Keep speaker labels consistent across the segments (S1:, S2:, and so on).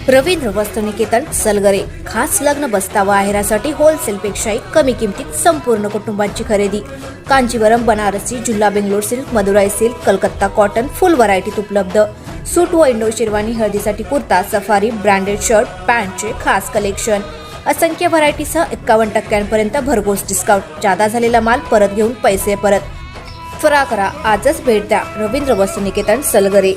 S1: रवींद्र वस्तुनिकेतन सलगरे खास लग्न बस्तावा आहेरासाठी होलसेलपेक्षाही कमी किमतीत संपूर्ण कुटुंबाची खरेदी। कांजीवरम, बनारसी, जुल्ला Bangalore silk, Madurai silk, Calcutta cotton full व्हरायटीत उपलब्ध। सूट व इंडो शेरवानी, हळदीसाठी कुर्ता, सफारी, ब्रँडेड शर्ट, पॅन्टचे खास कलेक्शन। असंख्य व्हरायटीसह 51% भरघोस डिस्काउंट। जादा झालेला माल परत घेऊन पैसे परत। त्वरा करा, आजच भेट द्या रवींद्र वस्तुनिकेतन सलगरे।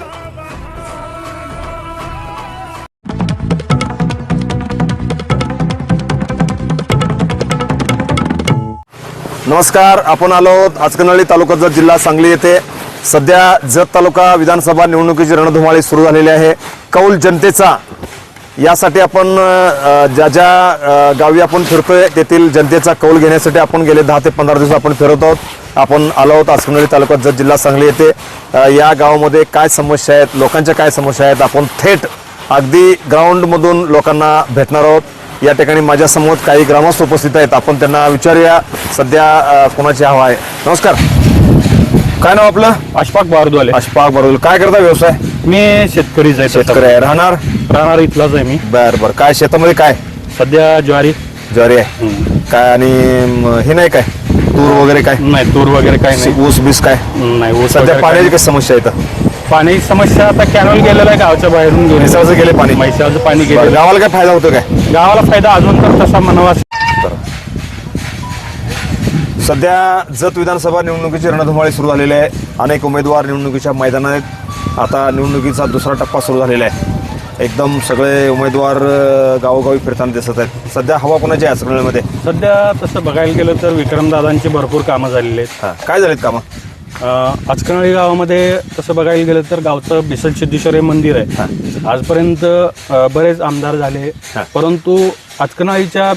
S2: नमस्कार, आपण आलो आहोत हातकणंगले तालुका जत जिल्हा सांगली येथे। सध्या जत तालुका विधानसभा निवडणुकीची रणधुमाळी सुरू झालेली आहे। कौल जनतेचा यासाठी आपण ज्या ज्या गावी आपण फिरतोय तेथील जनतेचा कौल घेण्यासाठी आपण गेले 10 ते 15 दिवस आपण फिरत आहोत। आपण आलो आहोत हातकणंगले तालुका जत जिल्हा सांगली येथे। या गावामध्ये काय समस्या आहेत, लोकांच्या काय समस्या आहेत, आपण थेट अगदी ग्राउंड मधून लोकांना भेटणार आहोत। या ठिकाणी माझ्या समोर काही ग्रामस्थ उपस्थित आहेत, आपण त्यांना विचारूया सध्या कोणाची हवा आहे। नमस्कार, काय नाव आपलं?
S3: अशफाक बारदवाले।
S2: अशफाक बारदवाले, काय करता व्यवसाय?
S3: मी शेतकरीच आहे।
S2: शेतकरी आहे, राहणार
S3: इथलाच आहे मी।
S2: बर बर, काय शेतामध्ये काय
S3: सध्या ज्वारी
S2: आहे काय? आणि हे नाही काय तूर वगैरे काय?
S3: नाही, तूर वगैरे काय नाही।
S2: ऊस बीस काय
S3: नाही, ऊस
S2: सध्या पाण्याची काय समस्या आहे?
S3: पाणी समस्या आता कॅनल गेलेलं आहे गावच्या बाहेरून।
S2: म्हैसाळचं गेले पाणी,
S3: म्हैसाळचं पाणी गेलं।
S2: गावाला काय फायदा होतो काय?
S3: गावाला फायदा अजून तर तसा म्हणावा।
S2: सध्या जत विधानसभा निवडणुकीची रणधुमाळी सुरू झालेली आहे। अनेक उमेदवार निवडणुकीच्या मैदानात आहेत। आता निवडणुकीचा दुसरा टप्पा सुरू झालेला आहे। एकदम सगळे उमेदवार गावोगावी फिरताना दिसत आहेत। सध्या हवा कोणाची आहे हातकणंगलेमध्ये?
S3: सध्या तसं बघायला गेलं तर विक्रमदादांची भरपूर कामं झालेली आहेत।
S2: काय झालीत कामं?
S3: हातकणंगले गावामध्ये तसं बघायला गेलं तर गावचं बिसल सिद्धेश्वर हे मंदिर आहे। आजपर्यंत बरेच आमदार झाले, परंतु हातकणंगलेच्या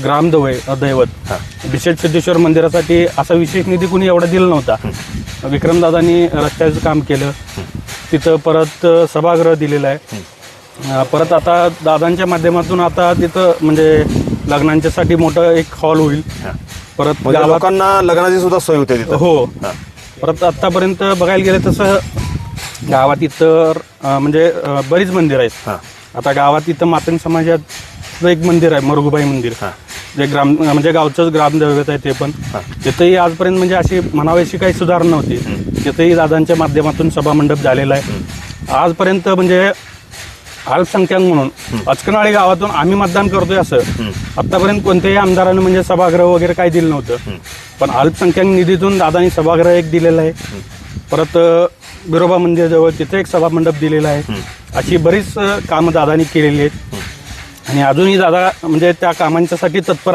S3: दैवत बिसल सिद्धेश्वर मंदिरासाठी असा विशेष निधी कुणी एवढा दिला नव्हता। विक्रमदादांनी रस्त्याचं काम केलं, तिथं परत सभागृह दिलेलं आहे। परत आता दादांच्या माध्यमातून आता तिथं म्हणजे लग्नांच्यासाठी मोठं एक हॉल होईल। परत
S2: लोकांना लग्नाची सुद्धा सोय होते तिथं।
S3: हो, परत आतापर्यंत बघायला गेलं तसं गावात इतर म्हणजे बरीच मंदिर आहेत। आता गावात इथं मातंग समाजाचं एक मंदिर आहे, मरगुबाई मंदिर, जे म्हणजे गावचंच ग्रामदैवत आहे ते पण। तिथंही आजपर्यंत म्हणजे अशी म्हणावीशी काही सुधारणा नव्हती। तिथंही दादांच्या माध्यमातून सभामंडप झालेला आहे। आजपर्यंत म्हणजे अल्पसंख्याक म्हणून हातकणंगले गावातून आम्ही मतदान करतोय असं आतापर्यंत कोणत्याही आमदारानं म्हणजे सभागृह वगैरे काही दिलं नव्हतं। पण अल्पसंख्याक निधीतून दादांनी सभागृह एक दिलेलं आहे। परत बिरोबा मंदिराजवळ तिथे एक सभामंडप दिलेला आहे। अशी बरीच कामं दादांनी केलेली आहेत आणि अजूनही दादा म्हणजे त्या कामांच्यासाठी तत्पर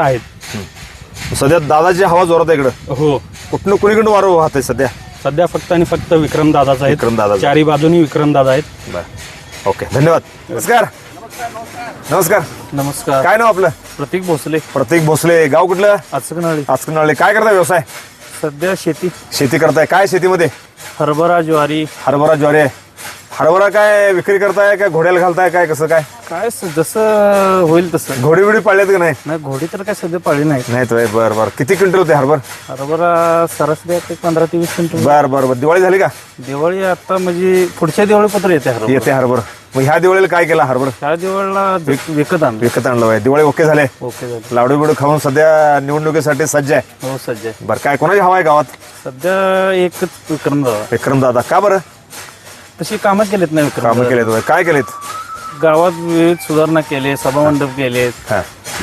S3: आहेत।
S2: सध्या दादाची हवा जोरात आहे इकडं।
S3: हो,
S2: कुठनं कुणीकडून वारं वाहत आहे सध्या?
S3: सध्या फक्त आणि फक्त विक्रमदादाच आहे।
S2: विक्रमदादा,
S3: चारी बाजूनी विक्रमदादा आहेत।
S2: ओके, धन्यवाद। नमस्कार। नमस्कार
S3: नमस्कार।
S2: काय नाव आपलं?
S3: प्रतीक भोसले।
S2: प्रतीक भोसले, गाव कुठलं?
S3: हातकणंगले।
S2: हातकणंगले, काय करताय व्यवसाय?
S3: सध्या शेती
S2: करताय। काय शेतीमध्ये?
S3: हरभरा, ज्वारी।
S2: हरभरा, ज्वारी आहे। हरभरा काय विक्री करताय काय घोड्याला घालताय काय कसं काय?
S3: काय जसं होईल तसं।
S2: घोडी बिडी पाळल्यात का नाही?
S3: नाही, घोडी तर काय सध्या पाळली नाही
S2: तो बरं बरं, किती क्विंटल होते
S3: हरभरा सरासरी 15 ते 20 क्विंटल।
S2: बरं बरं, दिवाळी झाली का?
S3: दिवाळी आता म्हणजे पुढच्या दिवाळीपत्र येते
S2: हरभर। मग ह्या दिवाळीला काय केला हरभर?
S3: ह्या दिवाळीला विकत आणलं
S2: आहे। दिवाळी ओके झाले?
S3: ओके झाले।
S2: लाडू बिडू खाऊन सध्या निवडणुकीसाठी सज्ज आहे?
S3: हो, सज्ज आहे।
S2: बरं, काय कोणाची हवा आहे गावात?
S3: सध्या एकच
S2: विक्रमदादा। का बरं?
S3: तशी कामं केलीत नाही
S2: कामं केलेत? काय केलेत?
S3: गावात विविध सुधारणा केले, सभामंडप केलेत,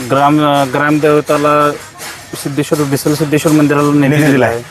S3: ग्रामदेवताला सिद्धेश्वर बिसल सिद्धेश्वर मंदिराला निधी दिलाय।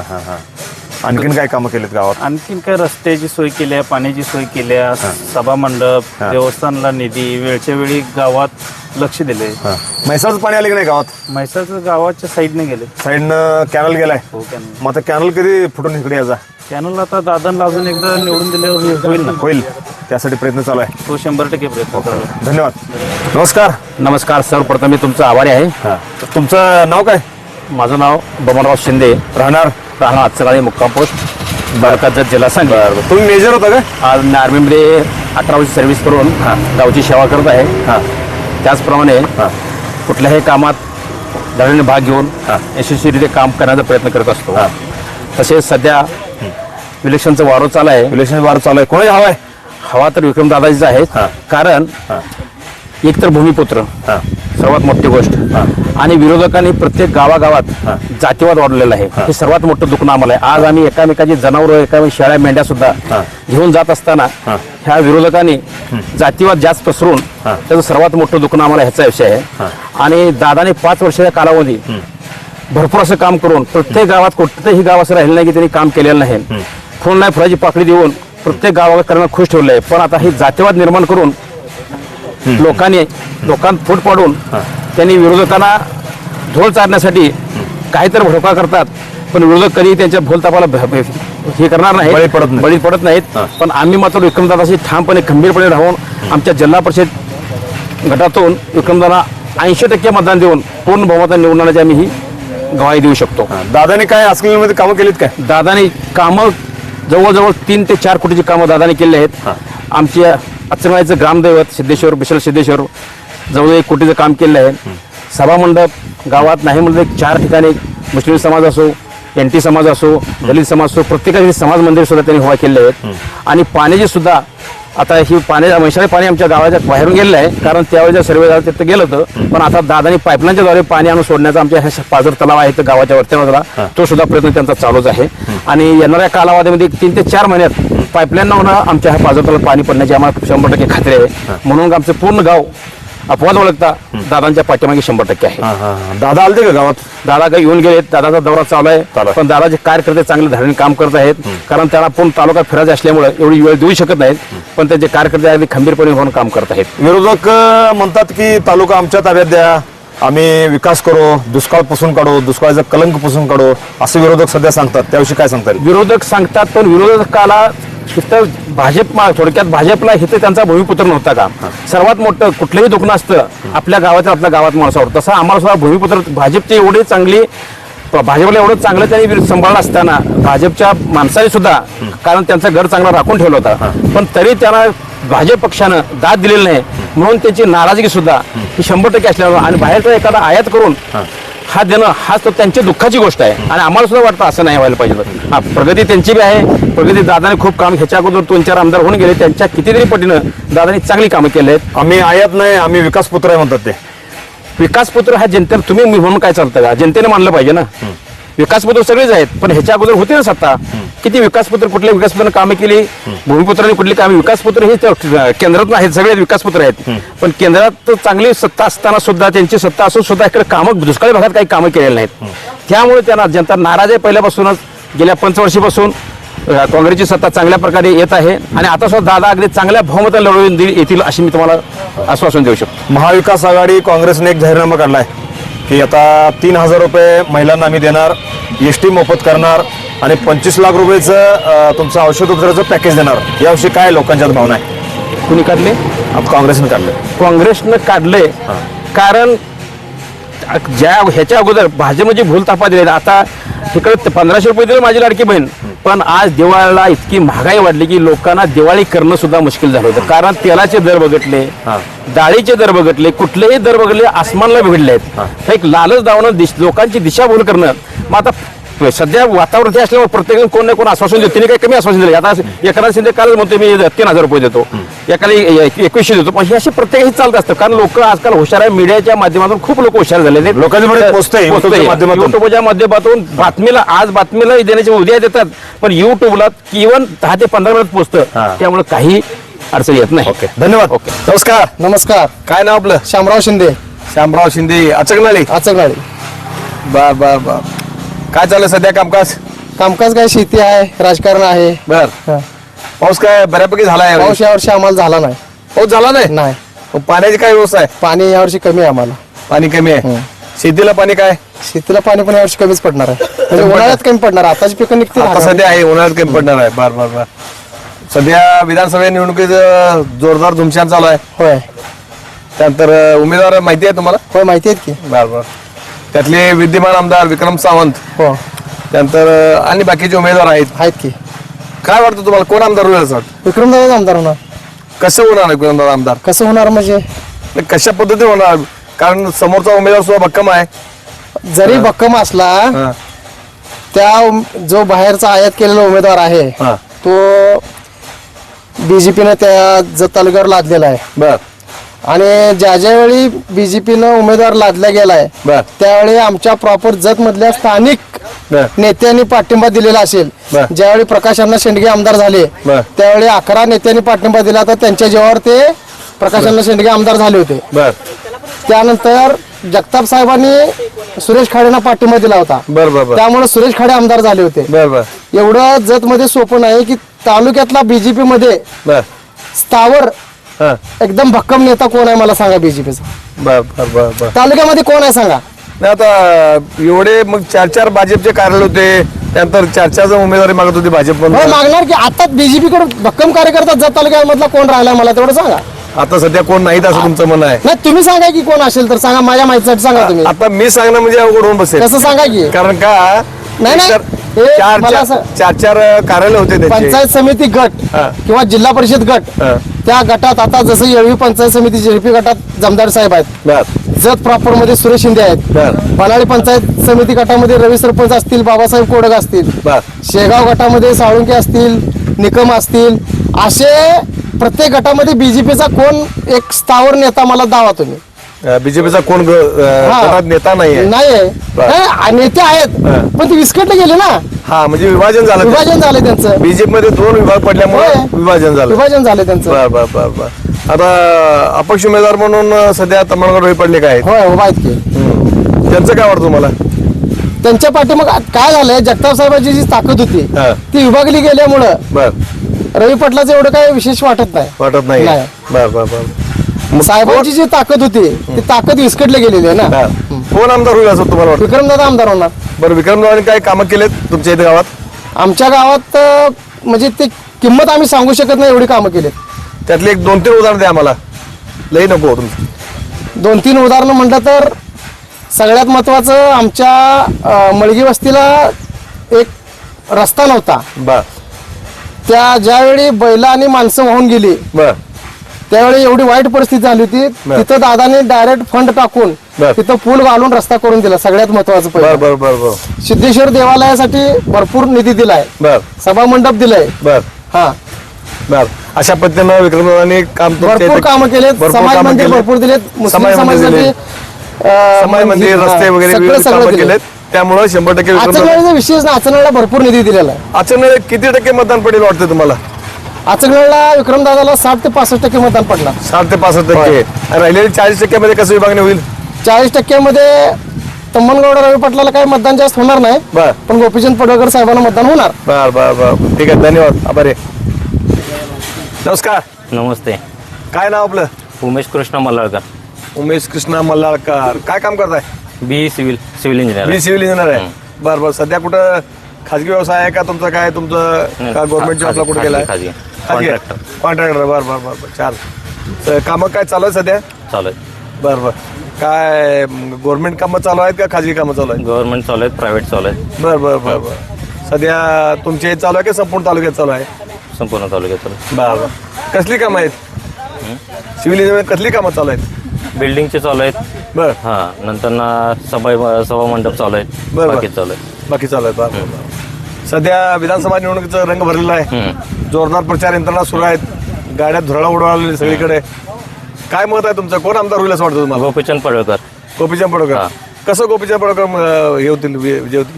S2: आणखीन काय कामं केलीत गावात?
S3: आणखीन काय रस्त्याची सोय केली आहे, पाण्याची सोय केली आहे, सभामंडप, देवस्थानला निधी, वेळच्या वेळी गावात लक्ष दिले।
S2: म्हैसाळचं पाणी आले की नाही गावात?
S3: म्हैसाळचं गावाच्या साईडने गेले।
S2: साईडनं कॅनल गेलाय?
S3: हो, कॅनल।
S2: मग आता कॅनल कधी फुटून इकडे यायचा?
S3: कॅनल आता दादांना अजून एकदा निवडून दिल्यावर होईल ना?
S2: होईल, त्यासाठी प्रयत्न चालू आहे।
S3: तो 100% प्रयत्न करू।
S2: धन्यवाद। नमस्कार।
S4: नमस्कार, सर्वप्रथम मी तुमचा आभारी आहे।
S2: तुमचं नाव काय?
S4: माझं नाव बमनराव शिंदे,
S2: राहणार
S4: हातकणंगले, मुक्काम पोस्ट, बारका जत जिल्हा सांगली।
S2: तुम्ही मेजर होता का?
S4: आज मी आर्मीमध्ये 18 वर्ष सर्व्हिस करून गावची सेवा करत आहे। त्याचप्रमाणे कुठल्याही कामात धडीने भाग घेऊन यशस्वीरित्या काम करण्याचा प्रयत्न करत असतो। तसेच सध्या इलेक्शनचं वारं चालू आहे।
S2: इलेक्शन वार चालू आहे, कोणाची हवा आहे?
S4: हवा तर विक्रमदादाजीच आहे। कारण एक तर भूमिपुत्र
S2: हा
S4: सर्वात मोठी गोष्ट आणि विरोधकांनी प्रत्येक गावागावात जातीवाद वाढवलेला आहे. हे सर्वात मोठं दुखणं आम्हाला आहे. आज आम्ही एकामेकाची जनावरं एकामेक शेळ्या मेंढ्या सुद्धा घेऊन जात असताना ह्या विरोधकांनी जातीवाद जास्त पसरून त्याचं सर्वात मोठं दुखणं आम्हाला ह्याचा विषय आहे. आणि दादाने 5 वर्षाच्या कालावधी भरपूर असं काम करून प्रत्येक गावात कोणतंही गाव असं राहिलं नाही की त्यांनी काम केलेलं नाही. फुल नाही फुलाची पाकळी देऊन प्रत्येक गावाकडनं खुश ठेवलं आहे. पण आता हे जातीवाद निर्माण करून लोकांत फूट पाडून त्यांनी विरोधकांना झोल चारण्यासाठी काहीतरी भडका करतात. पण विरोधक कधी त्यांच्या भोलतापाला हे करणार नाही, बळी पडत नाहीत. पण आम्ही मात्र विक्रमदादाशी ठामपणे खंबीरपणे राहून आमच्या जिल्हा परिषद गटातून विक्रमदादा 80% मतदान देऊन पूर्ण बहुमताने निवडून आल्याची आम्ही ही गवाही देऊ शकतो.
S2: दादाने काय आजकालमध्ये कामं केलीत काय?
S4: दादाने कामं जवळजवळ 3 ते 4 कोटीची कामं दादाने केली आहेत. आमच्या अचरणाचं ग्रामदैवत सिद्धेश्वर विशाल सिद्धेश्वर जवळ 1 कोटीचं काम केलं आहे. सभामंडप गावात नाही म्हणजे 4 ठिकाणी मुस्लिम समाज असो, NT समाज असो, दलित समाज असो, प्रत्येकाचे समाज मंदिर सुद्धा त्यांनी उभा केले आहेत. आणि पाण्याची सुद्धा आता ही म्हैसाळे पाणी आमच्या गावाच्या बाहेरून गेलेलं आहे. कारण त्यावेळेस सर्वे झाला तिथं गेलं होतं. पण आता दादानी पाईपलाईनच्या द्वारे पाणी आणून सोडण्याचा आमच्या ह्या पाझर तलाव आहे तर गावाच्या वरच्या बाजूला तो सुद्धा प्रयत्न त्यांचा चालूच आहे. आणि येणाऱ्या कालावधीमध्ये 3 ते 4 महिन्यात पाईपलाईन होणं आमच्या ह्या पाझर तलावात पाणी पडण्याची आम्हाला 100% खात्री आहे. म्हणून आमचं पूर्ण गाव अपवाद ओळखता दादांच्या पाठीमागे 100% आहे.
S2: दादा आलते का गावात?
S4: दादा काही येऊन गेलेत. दादाचा दौरा चालू आहे. पण दादाचे कार्यकर्ते चांगले धाडीने काम करत आहेत. कारण त्यांना पूर्ण तालुका फिरायचा असल्यामुळे एवढी वेळ देऊ शकत नाहीत. पण त्यांचे कार्यकर्ते अगदी खंबीरपणे होऊन काम करत आहेत.
S2: विरोधक म्हणतात की तालुका आमच्या ताब्यात द्या, आम्ही विकास करू, दुष्काळ पुसून काढू, दुष्काळाचा कलंक पुसून काढू, असे विरोधक सध्या सांगतात. त्याविषयी काय सांगता येईल?
S4: विरोधक सांगतात पण विरोधकाला इथं थोडक्यात भाजपला इथं त्यांचा भूमिपुत्र नव्हता का? सर्वात मोठं कुठलंही दुखणं असतं आपल्या गावात माणसावर. तसं आम्हाला सुद्धा भूमिपुत्र भाजपची एवढी चांगली भाजपला एवढं चांगलं त्यांनी सांभाळलं असताना भाजपच्या माणसाने सुद्धा कारण त्यांचा घर चांगला राखून ठेवला होता. पण तरी त्यांना भाजप पक्षानं दाद दिलेली नाही म्हणून त्याची नाराजगी सुद्धा ही 100% असल्यामुळे आणि बाहेरचा एखादा आयात करून हा देणं हा तो त्यांची दुःखाची गोष्ट आहे. आणि आम्हाला सुद्धा वाटतं असं नाही व्हायला पाहिजे. हा प्रगती त्यांची बी आहे. प्रगती दादाने खूप काम ह्याच्या अगोदर 2-4 आमदार होऊन गेले. त्यांच्या कितीतरी पटीनं दादाने चांगली कामं केली आहेत.
S2: आम्ही आयात नाही, आम्ही विकास पुत्र आहे म्हणतात. ते
S4: विकासपुत्र हा जनतेला तुम्ही म्हणून काय चालतं का? जनतेने मानलं पाहिजे ना. विकासपुत्र सगळेच आहेत पण ह्याच्या अगोदर होते ना सत्ता. किती विकासपुत्र कुठल्या विकासपुत्राने कामे केली, भूमिपुत्रांनी कुठली कामे. विकासपुत्र हे केंद्रात आहेत, सगळे विकासपुत्र आहेत. पण केंद्रात चांगली सत्ता असताना सुद्धा त्यांची सत्ता असून सुद्धा इकडे कामं दुष्काळी भागात काही कामं केलेली नाहीत. त्यामुळे त्यांना जनता नाराज आहे. पहिल्यापासूनच गेल्या 5 वर्षापासून काँग्रेसची सत्ता चांगल्या प्रकारे येत आहे आणि आता सुद्धा दादा अगदी चांगल्या बहुमताने लढवून येतील अशी मी तुम्हाला आश्वासन देऊ शकतो.
S2: महाविकास आघाडी काँग्रेसने एक जाहीरनामा काढलाय की आता 3000 रुपये महिलांना आम्ही देणार, ST मोफत करणार आणि 25 लाख रुपयाचं तुमचं औषध उपचाराचं पॅकेज देणार. याविषयी काय लोकांच्यात भावना आहे?
S4: कुणी काढले?
S2: काँग्रेसने काढले.
S4: काँग्रेसनं काढले कारण ह्याच्या अगोदर भाजपची भूल तापा दिली. आता इकडे 1500 रुपये दिले माझी लाडकी बहीण. पण आज दिवाळीला इतकी महागाई वाढली की लोकांना दिवाळी करणं सुद्धा मुश्किल झालं होतं. कारण तेलाचे दर बघितले, डाळीचे दर बघितले, कुठलेही दर बघितले आसमानला बिघडले आहेत. एक लालच दावणं लोकांची दिशाभूल करणं. मग आता सध्या वातावरण हे असल्यामुळे प्रत्येक कोण ना कोण आश्वासन देतो. तिने काही कमी आश्वासन दिले. आता एखादा शिंदे कालच म्हणतो मी 3000 रुपये देतो, एकाला 2100 देतो. पण हे असे प्रत्येक चालत असतं. कारण लोक आजकाल हुशार आहे. मीडियाच्या माध्यमातून खूप लोक हुशार झाले. युट्यूबच्या माध्यमातून बातमीला देण्याची उद्या देतात. पण युट्यूबला इव्हन 10 ते 15 मिनिट पोहोचतं. त्यामुळे काही अडचण येत नाही.
S2: ओके, धन्यवाद.
S4: ओके,
S2: नमस्कार.
S5: नमस्कार.
S2: काय नाव आपलं?
S5: शामराव शिंदे.
S2: श्यामराव शिंदे, अचकनाळी.
S5: आचकनाळी.
S2: बर बर बर. काय चाललं सध्या कामकाज?
S5: कामकाज काय शेती आहे, राजकारण आहे.
S2: बर. पाऊस काय बऱ्यापैकी झालाय?
S5: पाऊस यावर्षी आम्हाला झाला नाही.
S2: पाऊस झाला नाही?
S5: नाही.
S2: मग पाण्याची काय व्यवस्था आहे?
S5: पाणी यावर्षी कमी आहे आम्हाला.
S2: पाणी कमी आहे. शेतीला पाणी काय?
S5: शेतीला पाणी पण यावर्षी कमीच पडणार आहे. म्हणजे उन्हाळ्यात कमी पडणार. आताची पिकं निघतील.
S2: आता सध्या आहे, उन्हाळ्यात कमी पडणार आहे. बर बर बर. सध्या विधानसभा निवडणुकीचं जोरदार धुमशान चालू आहे.
S5: होय
S2: त्यानंतर उमेदवार माहिती आहे तुम्हाला?
S5: होय माहिती आहेत की.
S2: बर बर. त्यातले विद्यमान आमदार विक्रम सावंत,
S5: हो
S2: त्यानंतर आणि बाकीचे उमेदवार आहेत
S5: की.
S2: काय वाटतं तुम्हाला कोण आमदार होईल असं वाटतं?
S5: विक्रमदादा आमदार होणार.
S2: कसं होणार विक्रमदादा आमदार?
S5: कसं होणार म्हणजे
S2: कशा पद्धतीने होणार? कारण समोरचा उमेदवार सुद्धा भक्कम आहे.
S5: जरी भक्कम असला त्या जो बाहेरचा आयात केलेला उमेदवार आहे तो BJPने त्या तालुक्यावर लादलेला आहे.
S2: बर.
S5: आणि ज्या ज्यावेळी बीजेपीनं उमेदवार लादला गेलाय
S2: बर.
S5: त्यावेळी आमच्या प्रॉपर जत मधल्या स्थानिक
S2: बर.
S5: नेत्यांनी पाठिंबा दिलेला असेल.
S2: बर.
S5: ज्यावेळी प्रकाश अण्णा शेंडगे आमदार झाले
S2: बर.
S5: त्यावेळी 11 नेत्यांनी पाठिंबा दिला, तर त्यांच्या जीवावर ते प्रकाश अण्णा शेंडगे आमदार झाले होते.
S2: बर
S5: त्यानंतर जगताप साहेबांनी सुरेश खाडेंना पाठिंबा दिला होता.
S2: बर बर बर
S5: त्यामुळे सुरेश खाडे आमदार झाले होते.
S2: बर बर
S5: एवढं जत मध्ये सोपं नाही की तालुक्यातला बीजेपी मध्ये
S2: बर
S5: स्थावर
S2: हा
S5: एकदम भक्कम नेता कोण आहे मला सांगा. बीजेपीचा
S2: बर बर बर बर
S5: तालुक्यामध्ये कोण आहे सांगा.
S2: नाही आता एवढे मग 4 भाजपचे कार्यालय होते, त्यानंतर 4 जण उमेदवारी मागत होते भाजप
S5: हो,
S2: पण.
S5: मागणार की आता बीजेपी कडे भक्कम कार्यकर्ता जत तालुक्यामधला कोण राहिलाय मला तेवढं सांगा.
S2: आता सध्या कोण नाहीत असं तुमचं म्हणणं आहे.
S5: नाही तुम्ही सांगा की कोण असेल तर सांगा, माझ्या माहितीसाठी सांगा तुम्ही.
S2: आता मी सांगणं म्हणजे अवघड होऊन बसेल.
S5: कसं सांगा की
S2: कारण का
S5: नाही, नाही. हे मला असं-
S2: 4 कार्यालय होते त्याचे.
S5: पंचायत समिती गट
S2: हा.
S5: किंवा जिल्हा परिषद गट
S2: हा.
S5: त्या गटात आता जसं येळवी पंचायत समिती जेपी गटात जमदार साहेब आहेत.
S2: बर
S5: जत प्रॉपर मध्ये सुरेश शिंदे आहेत.
S2: बर
S5: बनाळी पंचायत समिती गटामध्ये रवी सरपंच असतील, बाबासाहेब कोडक असतील.
S2: बर
S5: शेगाव गटामध्ये साळुंके असतील, निकम असतील. असे प्रत्येक गटामध्ये बीजेपीचा कोण एक स्थावर नेता मला दावा तुम्ही.
S2: बीजेपीचा कोण
S5: हा.
S2: गटात नेता नाहीये.
S5: नाही
S2: बर.
S5: नाही, नेते आहेत
S2: हा.
S5: पण ते विस्कटले गेले ना.
S2: हा म्हणजे विभाजन झालं.
S5: विभाजन झालं त्यांचं.
S2: बीजेपी मध्ये 2 विभाग पडल्यामुळे
S5: होय.
S2: विभाजन झालं.
S5: विभाजन झालं त्यांचं.
S2: बर बर बर बर आता अपक्ष उमेदवार म्हणून सध्या तमणगड रोही पडले काय
S5: होय हो माहित की.
S2: त्यांचं काय वाटतं तुम्हाला.
S5: त्यांच्या पाठीमाग काय झालंय, जगताप साहेबांची जी ताकद होती
S2: हा.
S5: ती विभागली गेल्यामुळं
S2: बर
S5: रवी पाटलाचं एवढं काही विशेष वाटत नाही.
S2: वाटत नाही.
S5: नाही.
S2: बर बर बर
S5: साहेबांची जी ताकद होती ती ताकद विस्कटली गेलेली आहे ना.
S2: कोण आमदार होईल असं तुम्हाला वाटतं.
S5: विक्रमदादा आमदार होणार.
S2: बरं विक्रमरावांनी काय कामं केलेत तुमच्या इथे गावात.
S5: आमच्या गावात म्हणजे ते किंमत आम्ही सांगू शकत नाही एवढी कामं केलीत.
S2: त्यातले एक 2-3 उदाहरण द्या आम्हाला. लई नको तुमचं.
S5: 2-3 उदाहरणं म्हटलं तर सगळ्यात महत्वाचं आमच्या मळगी वस्तीला एक रस्ता नव्हता.
S2: बर
S5: त्या ज्यावेळी बैला आणि माणसं वाहून गेली
S2: बर
S5: त्यावेळी एवढी वाईट परिस्थिती झाली होती.
S2: बर.
S5: तिथं दादाने डायरेक्ट फंड टाकून
S2: बर.
S5: तिथं पूल घालून रस्ता करून दिला. सगळ्यात महत्वाचं
S2: बर
S5: पहिलं
S2: बर बर बर
S5: सिद्धेश्वर देवालयासाठी भरपूर निधी दिलाय.
S2: बर
S5: सभा मंडप दिलाय.
S2: बर
S5: हा
S2: बर अशा पद्धतीनं विक्रमरावांनी काम तुमच्या
S5: भरपूर
S2: इथे-
S5: कामं केलेत.
S2: भरपूर
S5: समाज
S2: कामं
S5: मंदिर
S2: केलेत.
S5: भरपूर दिलेत. मुस्लिम
S2: समाज मंदिर
S5: समाजासाठी
S2: दिले. समाज मंदिर
S5: हा,
S2: रस्ते वगैरे
S5: सगळं
S2: विविध
S5: सगळं
S2: कामं
S5: दिले.
S2: केलेत. त्यामुळे 100% विक्रमराव.
S5: आचगणाचा विशेष ना, आचगणाला भरपूर निधी दिलेला आहे.
S2: अचानक किती टक्के मतदान पडेल वाटतं तुम्हाला.
S5: आचगणाला विक्रमदादाला 60 ते 65% मतदान पडला.
S2: 60 ते 65%. आणि राहिलेले 40% मध्ये कसं विभागणी होईल.
S5: 40% तम्मनगौड रवी पाटलाला काही मतदान जास्त होणार नाही.
S2: बर
S5: पण गोपीचंद पडळकर साहेबांना मतदान होणार.
S2: बर बर बर ठीक आहे धन्यवाद आभारी. नमस्कार.
S4: नमस्ते.
S2: काय नाव आपलं.
S4: उमेश कृष्ण मल्लाळकर.
S2: उमेश कृष्णा मल्लाळकर. काय काम करताय.
S4: B civil engineer.
S2: मी सिव्हिल इंजिनियर आहे. बर बर सध्या कुठं खाजगी व्यवसाय आहे का तुमचं. काय तुमचं का गव्हर्नमेंट जॉबला कुठे गेलाय.
S4: खाजगी कॉन्ट्रॅक्टर
S2: कॉन्ट्रॅक्टर. बर बर बर बर चाल. तर कामं काय चालू आहे सध्या.
S4: चालू आहे.
S2: बर बर काय गव्हर्नमेंट कामं चालू आहेत का खाजगी कामं चालू आहेत.
S4: गव्हर्नमेंट चालू आहेत, प्रायव्हेट चालू आहेत,
S2: बर बर बर बर सध्या तुमच्या इथे चालू आहे की संपूर्ण तालुक्यात चालू आहे.
S4: संपूर्ण तालुक्यात चालू आहे.
S2: बर बर कसली कामं आहेत. सिव्हिल इंजिनिअरिंग कसली कामं चालू आहेत.
S4: बिल्डिंगचे चालू आहेत.
S2: बर
S4: हां नंतर ना सभा मंडप चालू आहेत.
S2: बरं.
S4: बाकी चालू आहे.
S2: बाकी चालू आहे. बर बर बर सध्या विधानसभा निवडणुकीचा रंग भरलेला आहे. जोरदार प्रचार यंत्रणा सुरू आहेत. गाड्या धुराळा उडवलेली सगळीकडे. काय मत आहे तुमचं. कोण आमदार होईल असं वाटतं तुम्हाला.
S4: गोपीचंद पडळकर.
S2: गोपीचंद पडळकर.
S4: हा.
S2: कसं गोपीचंद पडळकर हे होतील विजय होतील.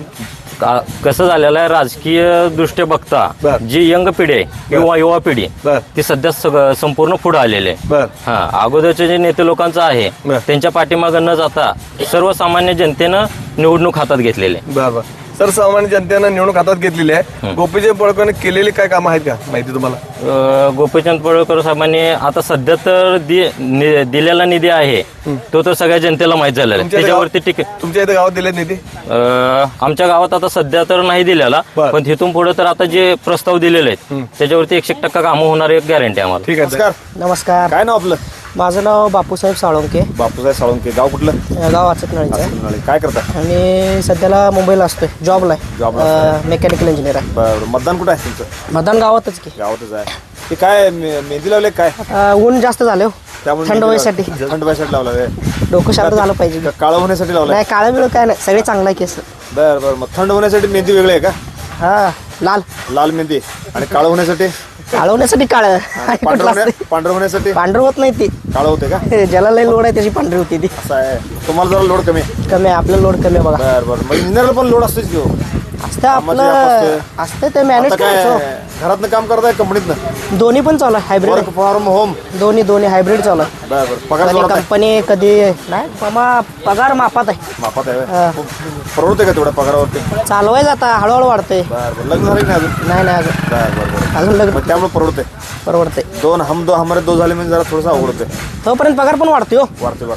S4: कसं झालेलं आहे राजकीय दृष्ट्या बघता
S2: बर.
S4: जी यंग पिढी आहे किंवा युवा पिढी
S2: बर.
S4: ती सध्या संपूर्ण पुढे आलेली आहे.
S2: बर
S4: हा अगोदरचे जे नेते लोकांचं आहे
S2: बर.
S4: त्यांच्या पाठीमागं न जाता सर्वसामान्य जनतेनं निवडणूक हातात घेतलेली आहे.
S2: बर बर सर्वसामान्य जनतेनं निवडणूक हातात घेतलेली आहे. गोपीचंद पडळकरने केलेली काय कामं आहेत का माहिती तुम्हाला.
S4: गोपीचंद पडळकर साहेबांनी आता सध्या तर दिलेला निधी आहे तो तर सगळ्या जनतेला माहीत झालेला आहे.
S2: तुमच्या
S4: त्याच्यावरती
S2: तुमच्या इथे गावात दिलेत निधी.
S4: आमच्या गावात आता सध्या तर नाही दिलेला
S2: बर.
S4: पण तिथून पुढे तर आता जे प्रस्ताव दिलेले आहेत त्याच्यावरती 100% कामं होणार एक गॅरंटी आम्हाला.
S2: ठीक आहे. नमस्कार.
S6: नमस्कार.
S2: काय नाव आपलं.
S6: माझं नाव बापूसाहेब साळुंके.
S2: बापूसाहेब साळुंके. गाव कुठलं.
S6: गाव अचकनळीचं आहे
S2: काय करता.
S6: आणि सध्याला मुंबईला असतोय. जॉबला
S2: जॉबला
S6: आहे. मेकॅनिकल इंजिनियर आहे.
S2: बरं मतदान कुठं आहे तुमचं.
S6: मतदान गावातच की.
S2: गावातच आहे. ते काय मेहंदी लावले काय.
S6: ऊन जास्त झालं हो. थंड व्हायसाठी.
S2: थंड व्हायसाठी लावलाय.
S6: डोकं शांत झालं पाहिजे.
S2: काळं होण्यासाठी लावलाय.
S6: नाही काळं बिळ काय नाही सगळे चांगलं आहे केस.
S2: बरं बरं मग थंड होण्यासाठी मेहंदी वेगळी आहे का.
S6: हा लाल
S2: लाल मेहंदी आणि काळं होण्यासाठी
S6: काळवण्यासाठी काळ आणि कुठलं असते
S2: पांढरं होण्यासाठी
S6: पांढरं होत नाही ती
S2: काळं होते का
S6: ज्याला लई लोड आहे त्याची पांढरी होती ती
S2: असं आहे तुम्हाला जरा लोड कमी आहे
S6: कमी आहे आपलं लोड कमी आहे बघा
S2: बरं बरं मग इंजिनियर पण लोड असतेच की हो.
S6: असतं
S2: कामाची
S6: आपलं
S2: व्याप
S6: असतं ते मॅनेज
S2: आता
S6: करायचं
S2: काय घरातनं काम करताय कंपनीतनं
S6: दोन्ही पण चालू आहे हायब्रिड
S2: वर्क फ्रॉम होम
S6: दोन्ही हायब्रिड चालू आहे
S2: बरं बरं पगार
S6: कधी
S2: जोरात आहे?
S6: कंपनी कधी नाही पगार मापात आहे
S2: मापात आहे
S6: हा.
S2: होय? परवडते का तेवढ्या पगारावरती
S6: चालवायचं आता हळूहळू वाढतंय
S2: बरं बरं लग्न झालं की नाही अजून
S6: नाही अजून
S2: बरं बरं बरं
S6: अजून लग्न
S2: मग त्यामुळे परवडते
S6: परवडते
S2: दोन हम दो हमारे दो झाले म्हणजे जरा थोडंसं अवघड होते
S6: तोपर्यंत पगार पण वाढतोय हो
S2: वाढते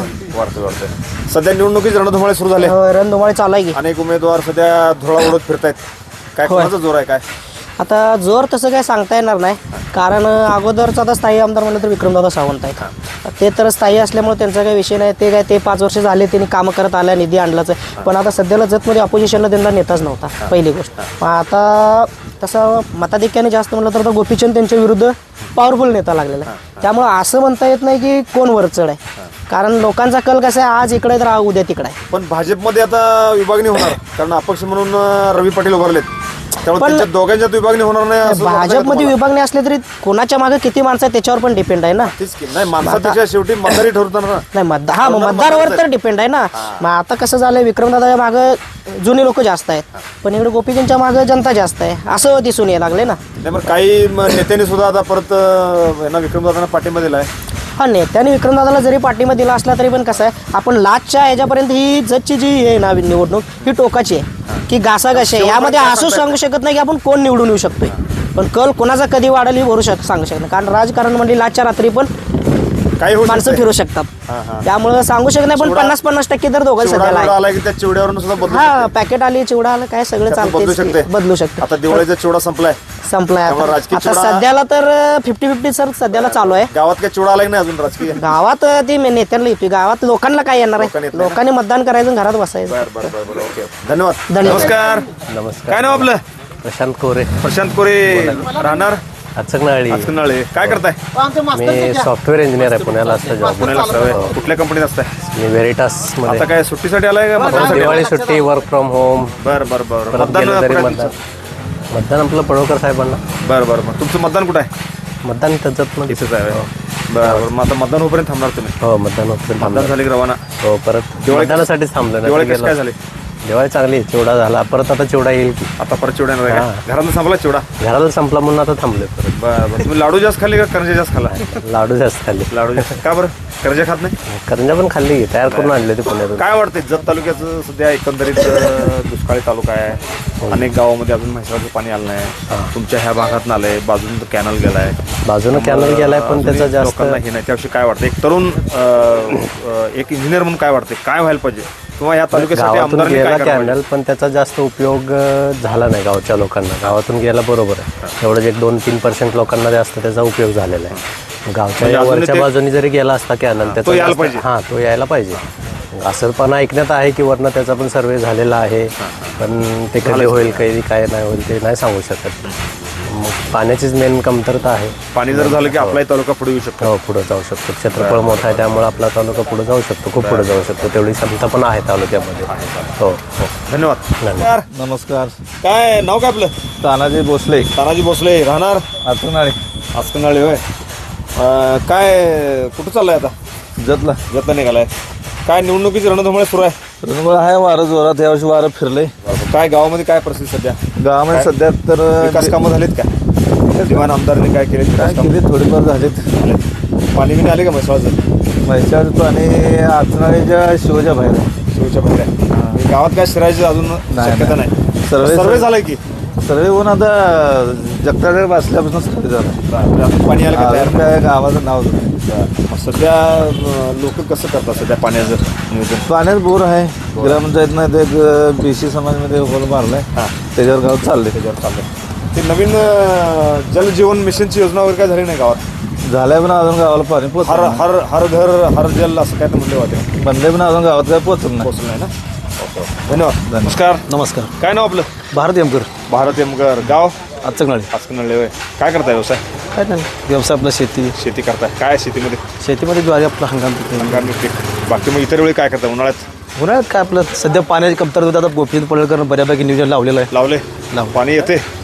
S2: वाढते सध्या निवडणुकीची रणधुमाळे सुरू झाले
S6: रणधुमाळी चालू आहे की
S2: अनेक उमेदवार सध्या धुळा उडत फिरतायत काय कोणाचा जोर आहे काय
S6: आता जोर तसं काय सांगता येणार नाही कारण अगोदरचा आता स्थायी आमदार म्हणलं तर विक्रमदादा सावंत आहेत ते तर स्थायी असल्यामुळे त्यांचा काही विषय नाही ते 5 वर्ष झाले त्यांनी कामं करत आल्या निधी आणलाच आहे पण आता सध्याला जतमध्ये ऑपोजिशनला त्यांना नेताच नव्हता पहिली गोष्ट मग आता तसं मताधिक्याने जास्त म्हणलं तर आता गोपीचंद त्यांच्या विरुद्ध पॉवरफुल नेता लागलेला आहे त्यामुळं असं म्हणता येत नाही की कोण वरचढ आहे कारण लोकांचा कल कसा आहे आज इकडे तर उद्या तिकडे आहे
S2: पण भाजपमध्ये आता विभागणी होणार कारण अपक्ष म्हणून रवी पाटील उभारलेत त्यामुळे
S6: पण-
S2: त्यांच्या दोघांच्यात विभागणी होणार नाही असं वाटतंय का
S6: भाजपमध्ये
S2: तुम्हाला?
S6: विभागणी असले तरी कोणाच्या मागे किती माणसं आहेत त्याच्यावर पण डिपेंड आहे ना
S2: तेच की नाही माणसापेक्षा शेवटी मतदारी ठरवतात ना
S6: नाही मतदारावर तर डिपेंड आहे ना मग आता कसं झालंय विक्रमदादाच्या मागे जुनी लोक जास्त आहेत पण इकडे गोपीचंदच्या मागे जनता जास्त आहे असं दिसून यायला लागले ना
S2: नाही पण काही नेत्यांनी सुद्धा आता परत यांना विक्रमदादांना पाठिंबा दिलाय
S6: हा नेत्याने विक्रमदादाला जरी पाठिंबा दिला असला तरी पण कसं आहे आपण लाचच्या ह्याच्यापर्यंत ही जजची जी आहे ना निवडणूक ही टोकाची आहे की घासाघाशी आहे यामध्ये असं सांगू शकत नाही की आपण कोण निवडून येऊ शकतोय पण कल कोणाचा कधी वाढेल ही सांगू शकत नाही कारण राजकारण म्हणजे लाचच्या रात्री पण
S2: काही होऊ
S6: माणसं
S2: शकतंय.
S6: फिरू
S2: हा.
S6: शकतात त्यामुळे सांगू शकत नाही पण
S2: चिवडा-
S6: 50-50% तर दोघं
S2: चिवडा
S6: सध्याला
S2: बिवडा
S6: आहे
S2: आला की त्या चिवड्यावरून सुद्धा बदलू
S6: हा
S2: शकते.
S6: पॅकेट आली चिवडा आला काय सगळं
S2: त्यातून बदलू
S6: चालते
S2: शकते
S6: बदलू शकते
S2: आता दिवाळीचा चिवडा संपलाय
S6: संपलाय
S2: त्यामुळे राजकीय
S6: आता
S2: चिवडा-
S6: सध्याला तर 50-50 सर सध्याला चालू आहे
S2: गावात काय चिवडा आला की नाही अजून राजकीय
S6: गावात ती नेत्यांना येते गावात लोकांना काय येणार
S2: लोकांना येत
S6: आहे
S2: नाही.
S6: लोकांनी मतदान करायचं आणि घरात बसायचं
S2: बरं ओके धन्यवाद
S6: धन्यवाद.
S2: नमस्कार
S7: नमस्कार
S2: काय नाव आपलं
S7: प्रशांत कोरे
S2: प्रशांत कोरे राहणार
S7: अचकनाळी
S2: आजकनाळे काय करताय
S7: मी सॉफ्टवेअर इंजिनियर आहे पुण्याला असतं जॉब
S2: पुण्याला सवय कुठल्या कंपनीत असताय
S7: मी व्हेरिटास
S2: आता
S7: मध्ये
S2: काय सुट्टीसाठी आलाय का मतदानासाठी
S7: दिवाळी सुट्टी वर्क फ्रॉम होम
S2: बरं बरं बरं
S7: परत
S2: मतदान
S7: गेलं तरी
S2: काय
S7: मतदान
S2: तुमचं?
S7: मतदान आपलं पडोळकर साहेबांना
S2: बरं बरं मग तुमचं मतदान कुठं आहे
S7: मतदान त्याच्यात मध्ये
S2: इथेच आहे होय. बरं बरं मग आता मतदान होईपर्यंत थांबणार तुम्ही
S7: हो मतदान होतं
S2: मतदान झाले की रवाना
S7: हो परत
S2: दिवाळी-
S7: मतदानासाठीच थांबलं नाही
S2: दिवाळी
S7: तर
S2: कसं काय
S7: गेलो.
S2: झाली
S7: दिवाळी चांगली चिवडा झाला परत आता चिवडा येईल की
S2: आता परत चिवडा येणार आहे
S7: हा.
S2: का? घरातून संपला चिवडा
S7: घराला संपला म्हणून आता थांबले परत
S2: बरं बरं तुम्ही लाडू जास्त खाल्ले का करंजा जास्त खाल्ला
S7: लाडू जास्त खाल्ले
S2: लाडू जास्त का बरं करंजा खात नाही
S7: करंजा पण खाल्ली की तयार करून आणले ते पुण्यातून
S2: काय वाटतंय जत तालुक्याचं सध्या एकंदरीत दुष्काळी तालुका आहे अनेक गावामध्ये अजून म्हैसाळचं पाणी आलं नाही तुमच्या ह्या भागात आलंय बाजून कॅनल गेलाय
S7: बाजूनं कॅनल गेलाय पण
S2: अजूनही
S7: त्याचा जास्त
S2: लोकांना हे नाही त्याविषयी काय वाटतं एक तरुण एक इंजिनियर म्हणून काय वाटते काय व्हायला पाहिजे किंवा या तालुक्यासाठी
S7: गावातून
S2: आमदारांनी काय
S7: गेला
S2: करायला पाहिजे?
S7: कॅनल पण त्याचा जास्त उपयोग झाला नाही गावच्या लोकांना गावातून गेला बरोबर आहे एवढंच एक 2-3% लोकांना जास्त त्याचा उपयोग झालेला आहे गावच्या
S2: म्हणजे
S7: या
S2: अजूनही
S7: वरच्या
S2: ते-
S7: बाजूनी जरी गेला असता कॅनल
S2: तो
S7: त्याचा
S2: यायला
S7: जास्त-
S2: पाहिजे.
S7: हा तो यायला पाहिजे असं पण ऐकण्यात आहे की वरनं त्याचा पण सर्वे झालेला आहे पण ते कधी होईल काही काय नाही होईल ते नाही सांगू शकत मग पाण्याचीच मेन कमतरता आहे
S2: पाणी जर झालं की आपलाही तालुका पुढे येऊ शकतो
S7: हो पुढे जाऊ शकतो क्षेत्रफळ मोठं आहे त्यामुळे आपला तालुका पुढे जाऊ शकतो खूप पुढे जाऊ शकतो तेवढी क्षमता पण आहे तालुक्यामध्ये हो हो
S2: धन्यवाद
S7: धन्यवाद.
S8: नमस्कार
S2: काय नाव काय आपलं
S8: तानाजी भोसले
S2: तानाजी भोसले राहणार
S8: आतनाळे
S2: आसकनाळी होय काय कुठं चाललंय आता
S8: जतला
S2: जत्ता निघालाय काय निवडणुकीची रणधुमाळी सुरू आहे
S8: रणगोळ आहे वारं जोरात यावर्षी वारं फिरलंय
S2: काय गावामध्ये काय परिस्थिती सध्या
S8: गावामध्ये सध्या तर
S2: विकास कामं झालीत का विद्यमान आमदारांनी काय केले
S8: काय केली थोडीफार झालीत
S2: पाणी बिणी आले का म्हैसाळचं
S8: म्हैसाळ पाणी आतनाळीच्या शिवच्या बाहेर आहे.
S2: शिवच्या बाहेर आहे गावात काय शिरायची अजून शक्यता नाही
S8: सर्वे
S2: झालाय की
S8: सर्वे होऊन आता जगताकडे बसल्यापासून सर्वे झाला
S2: अजून पाणी आलं का तयार
S8: अजून काय गावाचं नाव नाही.
S2: मग सध्या लोक कसं करतात सध्या पाण्याचं नियोजन
S8: पाण्यात बोर आहे ग्रामपंचायतनं ते एक BC समाजमध्ये होल मारलाय
S2: हां
S8: त्याच्यावर गाव चालले
S2: त्याच्यावर चाललंय ते नवीन जलजीवन मिशनची योजना वगैरे काय झाली नाही गावात
S8: झालंय पण अजून गावाला पाणी
S2: हर
S8: पोचलं
S2: हर हर घर हर जल असं काय तर म्हणले होते
S8: बनले पण अजून गावात काय पोचलं नाही
S2: पोहोचलं नाही ना ओके धन्यवाद नमस्कार
S5: नमस्कार
S2: काय नाव आपलं
S5: भारत एमकर
S2: भारत एमगर गाव
S5: आचकनाळी
S2: आजकनळे होय काय करताय व्यवसाय
S5: काय नाही व्यवसाय आपला शेती
S2: शेती करताय काय शेतीमध्ये
S5: शेतीमध्ये ज्वारी आपला हंगाम पिकते.
S2: हंगामी पीक बाकी मग इतर वेळी काय करताय उन्हाळ्यात
S5: उन्हाळ्यात काय आपलं सध्या पाण्याची कमतरता होती आता गोपीचंद पडळकर बऱ्यापैकी नियोजन लावलेलं आहे
S2: लावले
S5: लावलं.
S2: पाणी येते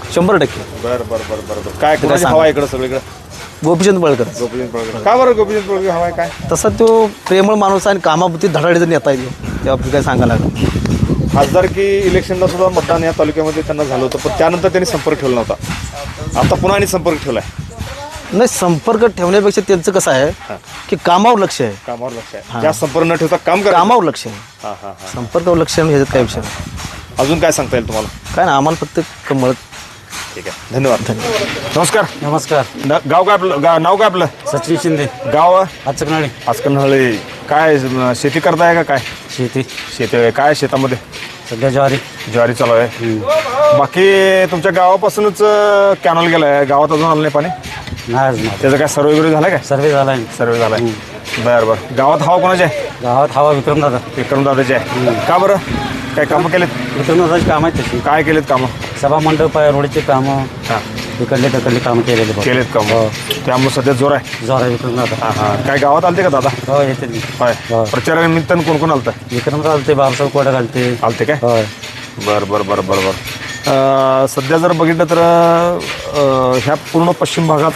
S8: 100%.
S2: बरं बरं बरं बरं बरं. काय कुणाची हवा आहे इकडं सगळीकडे?
S8: गोपीचंद पळकर
S2: गोपीचंद पडळकर. का बरं गोपीचंद पडळकर हवा आहे काय?
S8: तसा तो प्रेमळ माणूस आणि कामापुरती धडाडीचा नेता आहे तेव्हा आपलं काय सांगायला लागलं.
S2: खासदारकी इलेक्शनला सुद्धा मतदान या तालुक्यामध्ये त्यांना झालं होतं, पण त्यानंतर त्यांनी संपर्क ठेवला नव्हता. आता पुन्हा आणि संपर्क ठेवलाय.
S8: नाही, संपर्क ठेवण्यापेक्षा त्यांचं कसं आहे की कामावर लक्ष आहे,
S2: कामावर लक्ष आहे. जास्त संपर्क न ठेवता काम करा.
S8: कामावर लक्ष आहे,
S2: हां हां हां.
S8: संपर्कावर लक्ष आहे, ह्याच्यात काय विषय नाही.
S2: अजून काय सांगता येईल तुम्हाला?
S8: काय ना, आम्हाला फक्त कमळ.
S2: ठीक आहे, धन्यवाद. नमस्कार.
S3: नमस्कार.
S2: गाव काय आपलं? नाव काय आपलं?
S3: सचिन शिंदे,
S2: गाव
S3: आचकनाळी.
S2: आजकनहळी. काय शेती करताय का काय?
S3: शेती
S2: शेती आहे. काय शेतामध्ये?
S3: सध्या
S2: ज्वारी चालू आहे. बाकी तुमच्या गावापासूनच कॅनॉल गेलाय, गावात अजून आलं नाही पाणी?
S3: नाही
S2: त्याचा काय सर्वे वगैरे झाला काय?
S3: सर्वे झाला
S2: सर्वे झालाय. बरं बरं. गावात हवा कोणाची आहे?
S3: गावात हवा विक्रमदादा.
S2: विक्रमदादाची आहे. का बरं? काय कामं केलेत?
S3: विक्रमदादाची कामं आहेत तशी.
S2: काय केलेत कामं?
S3: सभा मंडप आहे, रोडची कामं,
S2: हां
S3: तिकडले कामं केलेले बघ.
S2: केलेत कामं. त्यामुळे सध्या जोर आहे.
S3: जोर आहे विक्रमदादा.
S2: हां हां. काय गावात आलते का दादा?
S3: हो येते मी.
S2: होय.
S3: हो.
S2: प्रचारानिमित्तानं कोण कोण आलतं?
S3: विक्रमदादा आलते, बाबासाहेब कोडा घालते.
S2: आलते काय?
S3: होय.
S2: बरं बरं बरं बरं बरं. सध्या जर बघितलं तर ह्या पूर्ण पश्चिम भागात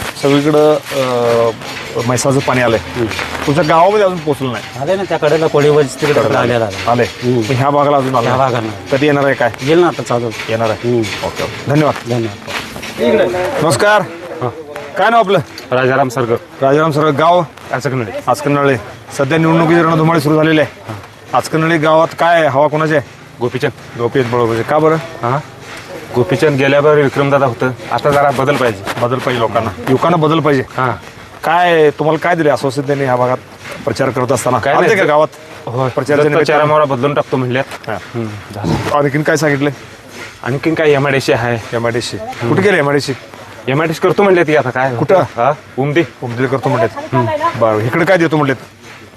S2: सगळीकडं म्हैसाचं पाणी आलंय. तुमच्या गावामध्ये अजून पोहोचलं नाही.
S3: आले ना त्या कडेला कोळीवरच तिकडे आलेला
S2: आले. पण ह्या भागाला अजून
S3: त्या
S2: आलं
S3: भागांना
S2: कधी येणार आहे काय?
S3: येईल ना आता चालू.
S2: येणार आहे. ओके ओके, धन्यवाद.
S3: धन्यवाद.
S2: नमस्कार. काय नाव आपलं?
S3: राजाराम सरगर,
S2: राजाराम सर. गाव?
S3: आचकनाळी.
S2: आचकनळी. सध्या निवडणुकीची रणधुमाळी सुरू झालेली आहे. आचकनळी गावात काय हवा कोणाची आहे?
S3: गोपीचंद.
S2: गोपीचंद पडळकर. का बरं?
S3: हां, गोपीचंद गेल्यावर विक्रमदादा होतं, आता जरा बदल पाहिजे.
S2: बदल पाहिजे लोकांना, युवकांना बदल पाहिजे.
S3: हां,
S2: काय तुम्हाला काय दिले आश्वासन त्यांनी ह्या भागात प्रचार करत असताना?
S3: काय
S2: आलते
S3: नाही.
S2: का गावात?
S3: हो
S2: प्रचाराच्या
S3: चारामारा बदलून टाकतो म्हणल्यात.
S2: हां. आणखीन काय सांगितलं?
S3: आणखीन काय MIDC आहे.
S2: MIDC कुठे गेले? MIDC
S3: MIDC करतो म्हणले ती आता काय
S2: कुठं?
S3: हा उमदी
S2: उमदीला करतो म्हणलेत. बरं, इकडे काय देतो म्हणलेत?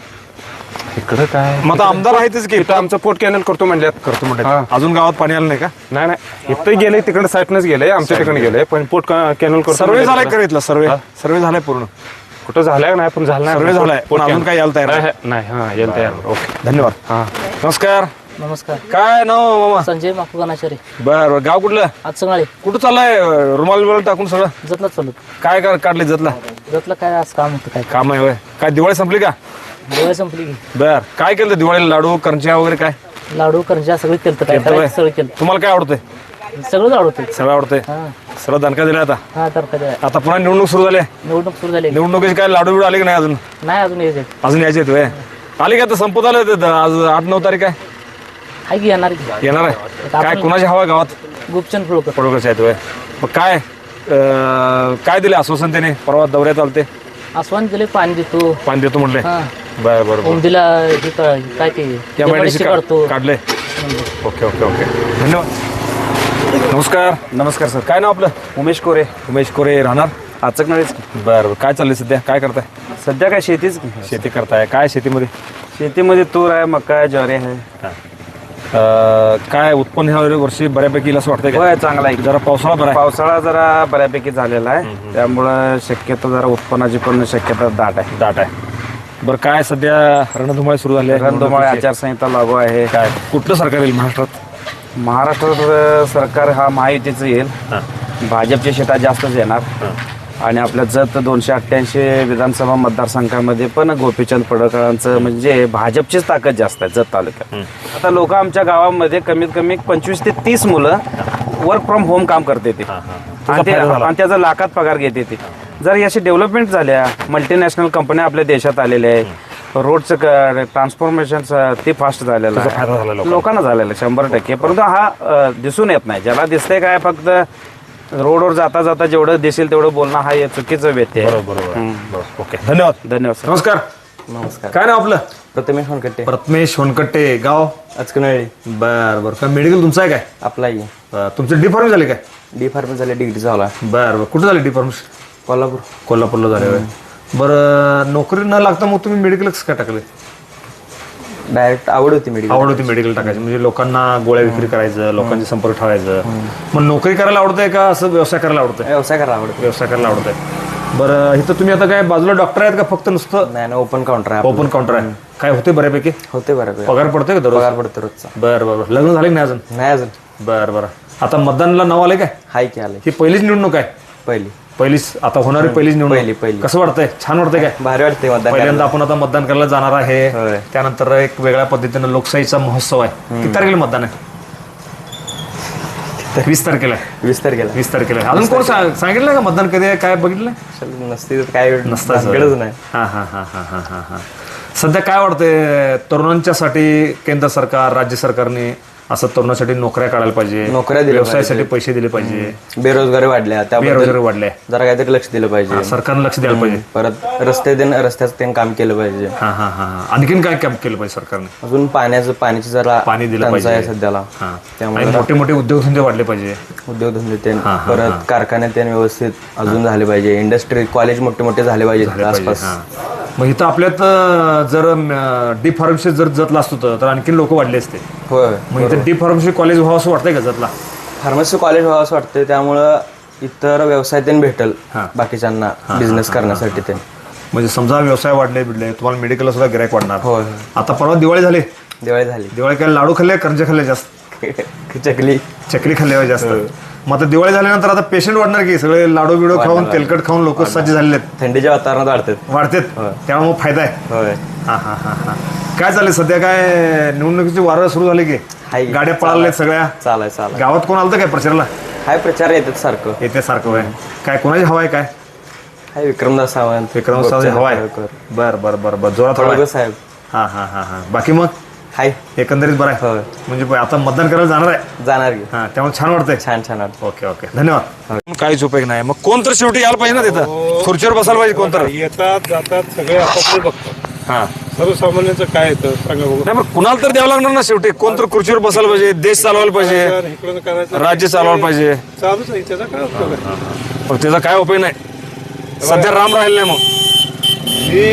S3: इकडं काय
S2: मग आता आमदार आहेतच की.
S3: इथं आमचं पोट कॅनल करतो म्हणल्यात.
S2: करतो
S3: हां.
S2: म्हणलेत. अजून गावात पाणी आलं नाही का?
S3: नाही नाही, इथं गेले तिकडे साईडनंच गेले, आमच्या ठिकाणी गेले, पण पोट कॅनल करतो
S2: सर्वे
S3: म्हणले
S2: झालाय
S3: तिकडं.
S2: का इथला? सर्वे सर्वे झालाय पूर्ण?
S3: कुठं झालाय नाही, पण झालं नाही.
S2: सर्वे झालाय, पण अजून काय यायला तयार नाही?
S3: नाही. नाही, हां यायला तयार.
S2: ओके, धन्यवाद.
S3: हां,
S2: नमस्कार.
S6: नमस्कार.
S2: काय नाव मामा?
S6: संजय माकुगानाचारी,
S2: बरं, गाव कुठलं?
S6: आचकनाळी.
S2: कुठं चाललाय? रुमाल बिमाल टाकून सगळं
S6: जतला चालू.
S2: काय काढले जतला?
S6: जतला काय आज काम होतं काय?
S2: काम आहे होय. काय दिवाळी संपली का?
S6: दिवाळी संपली की.
S2: बर, काय केलं दिवाळीला? लाडू, करंज्या वगैरे काय?
S6: लाडू करंज्या सगळं केलं, काय
S2: केलं
S6: करायचं
S2: होय?
S6: सगळं केलं,
S2: तुम्हाला काय आवडतंय?
S6: सगळंच आवडतं.
S2: सगळं आवडतंय.
S6: हां
S2: सगळं दणका दिला आता.
S6: हां, तर काय
S2: आता पुन्हा निवडणूक सुरू झाली.
S6: निवडणूक सुरू झाली.
S2: निवडणुकीचे काय लाडू बिडू आले की नाही अजून?
S6: नाही अजून यायचे.
S2: अजून यायचे आहेत होय. आले का? आता संपत आलं ते आज 8-9 तारीख आहे.
S6: आहे की येणार की.
S2: येणार आहे. काय कुणाची हवा आहे गावात?
S6: गोपचंद पडळकर.
S2: पडोकरचे आहेत होय. मग काय काय दिले आश्वासन त्याने? परवा दौऱ्यात आलते,
S6: आसवान दिले, पाणी देतो.
S2: पाणी देतो म्हणले.
S6: हां,
S2: बर बर बर.
S6: उमदीला हे काय ते
S2: MIDC
S6: करतो.
S2: काढले. ओके ओके ओके, धन्यवाद. नमस्कार.
S8: नमस्कार सर.
S2: काय नाव आपलं?
S8: उमेश कोरे,
S2: उमेश कोरे. राहणार
S8: आचकनाळीच.
S2: बरं. काय चाललंय सध्या? काय करताय?
S8: सध्या काय शेतीच.
S2: शेती करताय. काय शेतीमध्ये?
S8: शेतीमध्ये तूर आहे, मका आहे, ज्वारी आहे.
S2: काय उत्पन्न ह्या वर्षी बऱ्यापैकी येईल असं वाटतंय का?
S8: होय, चांगला आहे.
S2: जरा पावसाळा बरा आहे.
S8: पावसाळा जरा बऱ्यापैकी झालेला आहे, त्यामुळं शक्यतो जरा उत्पन्नाची पण शक्यता दाट आहे.
S2: दाट आहे. बरं, काय सध्या रणधुमाळी सुरू झाली आहे?
S8: रणधुमाळी आचारसंहिता लागू आहे.
S2: काय कुठलं सरकार येईल महाराष्ट्रात?
S8: महाराष्ट्र सरकार हा महायुतीचं येईल. भाजपची शिटा जास्तच येणार. आणि आपल्या जत 288 विधानसभा मतदारसंघामध्ये पण गोपीचंद पडळकरांचं म्हणजे भाजपचीच ताकद जास्त आहे जत तालुक्यात. आता लोक आमच्या गावामध्ये कमीत कमी 25 ते 30 मुलं वर्क फ्रॉम होम काम करते ते, आणि त्याचा लाखात पगार घेते ते. जर याची डेव्हलपमेंट झाल्या, मल्टीनॅशनल कंपन्या आपल्या देशात आलेल्या आहेत, रोडचं ट्रान्सफॉर्मेशन ते फास्ट झालेलं आहे, लोकांना झालेलं आहे 100%. परंतु हा दिसून येत नाही. ज्याला दिसतंय काय, फक्त रोडवर जाता जाता जेवढं दिसेल तेवढं बोलणं हा हे चुकीचं व्यक्ती आहे.
S2: बरोबर. ओके, धन्यवाद.
S8: धन्यवाद सर.
S2: नमस्कार.
S7: नमस्कार.
S2: काय नाव आपलं?
S7: प्रथमेश होनकट्टे,
S2: प्रथमेश होनकट्टे. गाव?
S7: आचकनाळी.
S2: बर बर. काय मेडिकल तुमचं आहे काय?
S7: आपलाही
S2: तुमचं डी फार्म झाले काय?
S7: डी फार्मसी झाले, डिग्री झाला.
S2: बर बर. कुठं झाले डी फार्म?
S7: कोल्हापूर.
S2: कोल्हापूरला झाले होय. बरं, नोकरी न लागता मग तुम्ही मेडिकल कसं काय टाकले?
S7: डायरेक्ट आवड होती मेडिकल.
S2: आवड होती मेडिकल टाकायची, म्हणजे लोकांना गोळ्या विक्री करायचं, लोकांचे संपर्क ठेवायचं. मग नोकरी करायला आवडतंय का असं व्यवसाय करायला आवडतंय?
S7: व्यवसाय करायला आवडतो.
S2: व्यवसाय करायला आवडतंय. बरं, इथं तुम्ही आता काय बाजूला डॉक्टर आहेत का फक्त नुसतं?
S7: नाही ना, ओपन काउंटर आहे.
S2: ओपन काउंटर आहे. काय होते बऱ्यापैकी?
S7: होते बरं.
S2: पगार पडतोय का दररोज?
S7: पगार पडतो रोजचा.
S2: बरं बरं. लग्न झाले की नाही अजून?
S7: नाही अजून.
S2: बरं बरं. आता मतदानाला नाव आले काय?
S9: हाय की आले
S2: ही पहिलीच निवडणूक आहे? पहिलीच आता होणारी पहिलीच निवडणूक.
S9: पहिली.
S2: कसं वाटतंय? छान वाटतंय काय?
S9: भारी वाटते मतदान
S2: पहिल्यांदा आपण आता मतदान करायला जाणार आहे.
S9: होय.
S2: त्यानंतर एक वेगळ्या पद्धतीनं लोकशाहीचा महोत्सव आहे. किती तारखेला मतदान आहे? 20 तारखेला.
S9: 20 तारखेला
S2: 20 तारखेला. अजून कोण सांगितलं का मतदान कधी आहे? काय बघितलं?
S9: नसते तर काय
S2: नसतं.
S9: गरज नाही.
S2: हा. सध्या काय वाटतंय तरुणांच्यासाठी केंद्र सरकार राज्य सरकारने असं तरुणांसाठी नोकऱ्या काढायला पाहिजे,
S9: नोकऱ्या दिल्या
S2: व्यवसायासाठी पैसे दिले पाहिजे,
S9: बेरोजगारी वाढल्या त्याबद्दल
S2: बेरोजगारी वाढले,
S9: जरा काहीतरी लक्ष दिलं पाहिजे.
S2: सरकारनं लक्ष द्यायला पाहिजे.
S9: परत रस्त्याचं त्यांनी काम केलं पाहिजे.
S2: हा. आणखीन काय काम केलं पाहिजे सरकारने?
S9: अजून पाण्याची जरा
S2: पाणी दिलं
S9: टंचाई आहे
S2: पाहिजे
S9: सध्याला.
S2: हा.
S9: त्यामुळे
S2: आणि मोठे मोठे उद्योगधंदे वाढले पाहिजे.
S9: उद्योगधंदे परत कारखाने व्यवस्थित अजून झाले पाहिजे. इंडस्ट्री कॉलेज मोठे झाले पाहिजे आसपास.
S2: मग इथं आपल्यात जर डी फार्मसी जर जतला असतो तर आणखीन लोक वाढले असते.
S9: होय.
S2: मग इथं डी फार्मसी कॉलेज व्हावं असं वाटतंय का जतला?
S9: फार्मसी कॉलेज व्हावं असं वाटतं. त्यामुळं इतर व्यवसाय त्यांनी भेटल बाकीच्यांना बिझनेस करण्यासाठी ते.
S2: म्हणजे समजा व्यवसाय वाढले तुम्हाला मेडिकलला सुद्धा गिरायक वाढणार.
S9: होय.
S2: आता परवा दिवाळी झाली.
S9: दिवाळी
S2: काय लाडू खाल्ले करंजे खाल्ले जास्त? चकली खाल्ले जास्त. मग आता दिवाळी झाल्यानंतर आता पेशंट वाढणार की सगळे लाडू बिडू खाऊन तेलकट खाऊन लोक सज्ज झालेले आहेत.
S9: थंडीच्या वातावरणात
S2: वाढतात. त्यामुळे मग फायदा आहे.
S9: होय.
S2: हा. काय चालेल सध्या? काय निवडणुकीची वारं सुरू झाली की? गाड्या पळाल्या सगळ्या.
S9: चालाय
S2: गावात कोण आलं काय प्रचाराला?
S9: हाय प्रचार येतात सारखं.
S2: येते सारखं आहे. काय कोणाची हवा आहे? काय
S9: हाय विक्रमदास सावंत.
S2: विक्रमदास हवा आहे. बर जोरात हवा आहे.
S9: साहेब.
S2: हा. बाकी मग
S9: हाय
S2: एकंदरीत बरं आहे. म्हणजे आता मतदान करायला जाणार आहे.
S9: जाणार की.
S2: हा त्यामुळे छान वाटतंय.
S9: छान
S2: ओके धन्यवाद. काहीच उपयोग नाही. मग कोण तर शेवटी यायला पाहिजे ना तिथं, खुर्चीवर बसायला पाहिजे कोण तर.
S10: येतात जातात सगळे आपापले बघतात.
S2: हा
S10: सर्वसामान्यांचं काय येतं सांगा बघू.
S2: नाही मग कुणाला तर द्यावं लागणार ना शेवटी. कोण तर खुर्चीवर बसायला पाहिजे, देश चालवायला पाहिजे,
S10: इकडून करायचं
S2: राज्य चालवायला पाहिजे.
S10: चालूच आहे त्याचा काय उपयोग आहे.
S2: मग त्याचा काय उपयोग नाही. सध्या राम राहिला नाही. मग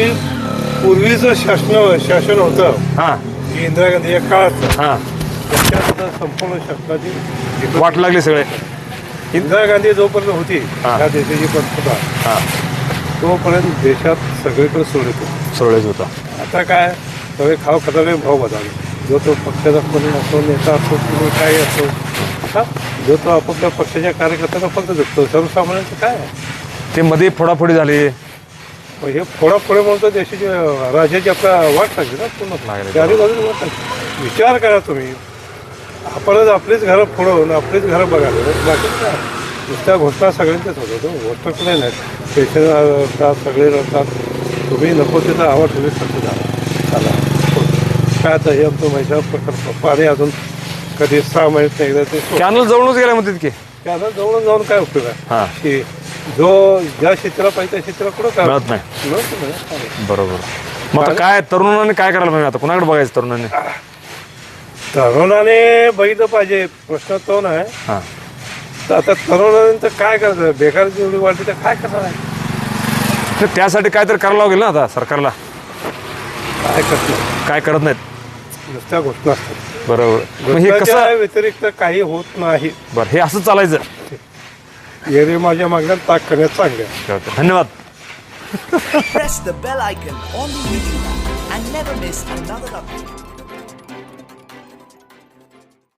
S10: हे पूर्वीचं शासन होतं
S2: हा
S10: इंदिरा गांधी या काळात
S2: हा
S10: त्याच्यात संपूर्ण शासनाची
S2: वाट लागली सगळे.
S10: इंदिरा गांधी जोपर्यंत होती या देशाची पंतप्रधान तोपर्यंत देशात सगळीकडे
S2: सोडलेच होता.
S10: आता काय सगळे खाव खतावे भाव बदलले. जो तो पक्षाचा कोणी असो नेता असो किंवा काही असो जो तो आपापल्या पक्षाच्या कार्यकर्त्यांना फक्त जगतो. सर्वसामान्यांचं काय आहे
S2: ते मध्ये फोडाफोडी झाली.
S10: हे फोडाफोडे म्हणतो देशाची राज्याची आपल्या वाट लागली ना पूर्ण चारी बाजूला वाट लागली. विचार करा तुम्ही. आपणच आपलीच घरं फोडवून आपलीच घरं बघायला बाकी काय नुसत्या घोषणा सगळ्यांच्याच होतात. घोषणा कुठे नाहीत. पेशंट रडतात सगळे रडतात. तुम्ही नको तिथं आवाज तुम्ही खर्च झाला काय आता हे आमचं महिला प्रकल्प पाणी अजून कधी 6 महिन्यात नाही एकदा ते
S2: कॅनल जवळच गेल्या म्हणतात की.
S10: त्याला जवळून जाऊन काय उपयोग आहे की जो ज्या क्षेत्राला पाहिजे त्या क्षेत्राला कुठं काय
S2: मिळत नाही. बरोबर. मग आता
S10: आणि-
S2: काय तरुणांनी काय करायला पाहिजे? आता कुणाकडे बघायचं तरुणांनी?
S10: तरुणाने बघितलं पाहिजे. प्रश्न तो नाही.
S2: हा
S10: तर आता तरुणाने तर काय करायचं. बेकार जेवढी वाढली तर काय करणार आहे.
S2: तर त्यासाठी काय तर करायला लागेल ना आता सरकारला.
S10: काय करणार
S2: काय करत नाहीत.
S10: नुसत्या घोषणा असतात.
S2: बरोबर. मग हे
S10: घोषणाच्या
S2: कसं?
S10: व्यतिरिक्त काही होत नाही.
S2: बरं हे असं चालायचं.
S10: एरवी माझ्या मागण्यात ताक करण्यात चांगलं.
S2: धन्यवाद.
S11: Press the bell icon on the YouTube app and never miss another update.